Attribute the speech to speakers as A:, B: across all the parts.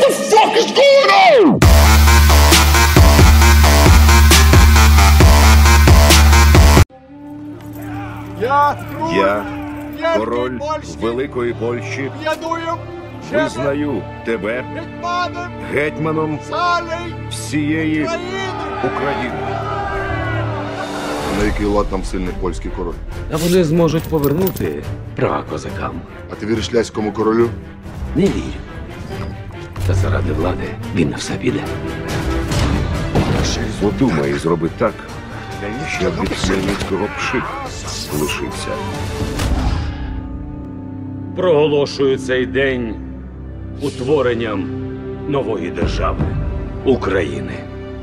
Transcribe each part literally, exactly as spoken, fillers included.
A: the fuck is going on?
B: Я, король Великої Польщі, визнаю тебе гетьманом всієї України.
A: На який лад нам сильний польський король?
C: А вони зможуть повернути права козакам.
A: А ти віриш ляському королю?
C: Не вірю. Та заради влади він на все піде.
B: Подумай і зроби так, щоб від Хмельницького пшик лишився.
C: Проголошую цей день утворенням нової держави – України.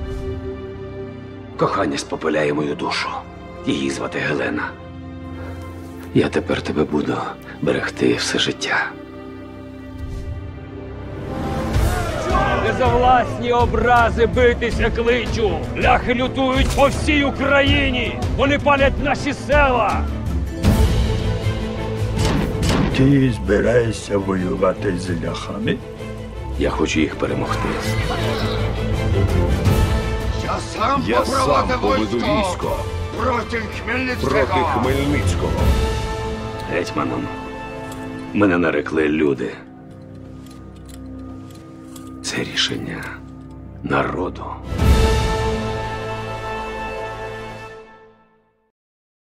C: Кохання спопиляє мою душу. Її звати Гелена. Я тепер тебе буду берегти все життя. Не за власні образи битися кличу. Ляхи лютують по всій Україні. Вони палять наші села.
D: Ти збираєшся воювати з ляхами?
C: Я хочу їх перемогти.
B: Я сам поведу військо проти Хмельницького.
C: Гетьманом мене нарекли люди. Це рішення народу.